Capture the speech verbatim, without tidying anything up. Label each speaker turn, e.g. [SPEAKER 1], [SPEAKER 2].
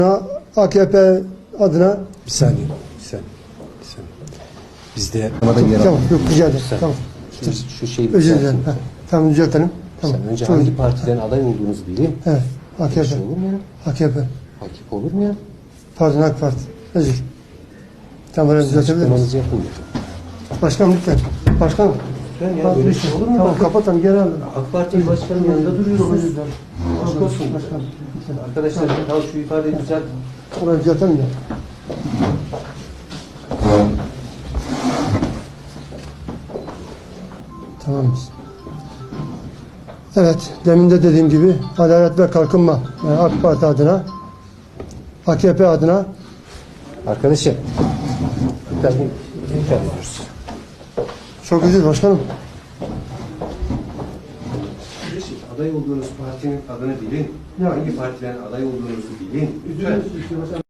[SPEAKER 1] A K P adına
[SPEAKER 2] Bir saniye, bir saniye, bir saniye. Bizde tamam, yer
[SPEAKER 1] tamam, yok rica ederim. Tamam.
[SPEAKER 2] Şu, şu şeyi
[SPEAKER 1] Özür dilerim. Heh, tamam düzeltelim. Tamam.
[SPEAKER 2] Sen önce
[SPEAKER 1] Çok
[SPEAKER 2] hangi
[SPEAKER 1] özür-
[SPEAKER 2] partiden aday olduğunuzu bileyim.
[SPEAKER 1] Evet.
[SPEAKER 2] Bir
[SPEAKER 1] A K P.
[SPEAKER 2] şey olur mu ya?
[SPEAKER 1] A K P.
[SPEAKER 2] Hakip olur mu ya?
[SPEAKER 1] Pardon AK Parti. Özür. Tamam ben
[SPEAKER 2] Siz
[SPEAKER 1] düzeltebilir miyiz?
[SPEAKER 2] açıklamanızı yapın.
[SPEAKER 1] Başkanım lütfen. Başkanım.
[SPEAKER 2] Lütfen ya, böyle şey olur mu?
[SPEAKER 1] Tamam
[SPEAKER 2] Bakın,
[SPEAKER 1] kapatalım geri alın.
[SPEAKER 2] AK Parti başkanının yanında
[SPEAKER 1] Çok
[SPEAKER 2] duruyorsunuz.
[SPEAKER 1] özür dilerim.
[SPEAKER 2] Aşk olsun.
[SPEAKER 1] Başkanım. Lütfen.
[SPEAKER 2] Arkadaşlar tamam şu ifadeyi düzelt.
[SPEAKER 1] Orayı düzeltelim de. Tamamız. Evet, demin de dediğim gibi Adalet ve Kalkınma yani AK Parti adına, A K P adına
[SPEAKER 2] Arkadaşlar, lütfen lütfen diyoruz.
[SPEAKER 1] çok özür başkanım.
[SPEAKER 2] Kardeşim, aday olduğunuz partinin adını bilin.
[SPEAKER 1] Ya.
[SPEAKER 2] Hangi partiden aday olduğunuzu bilin. Lütfen.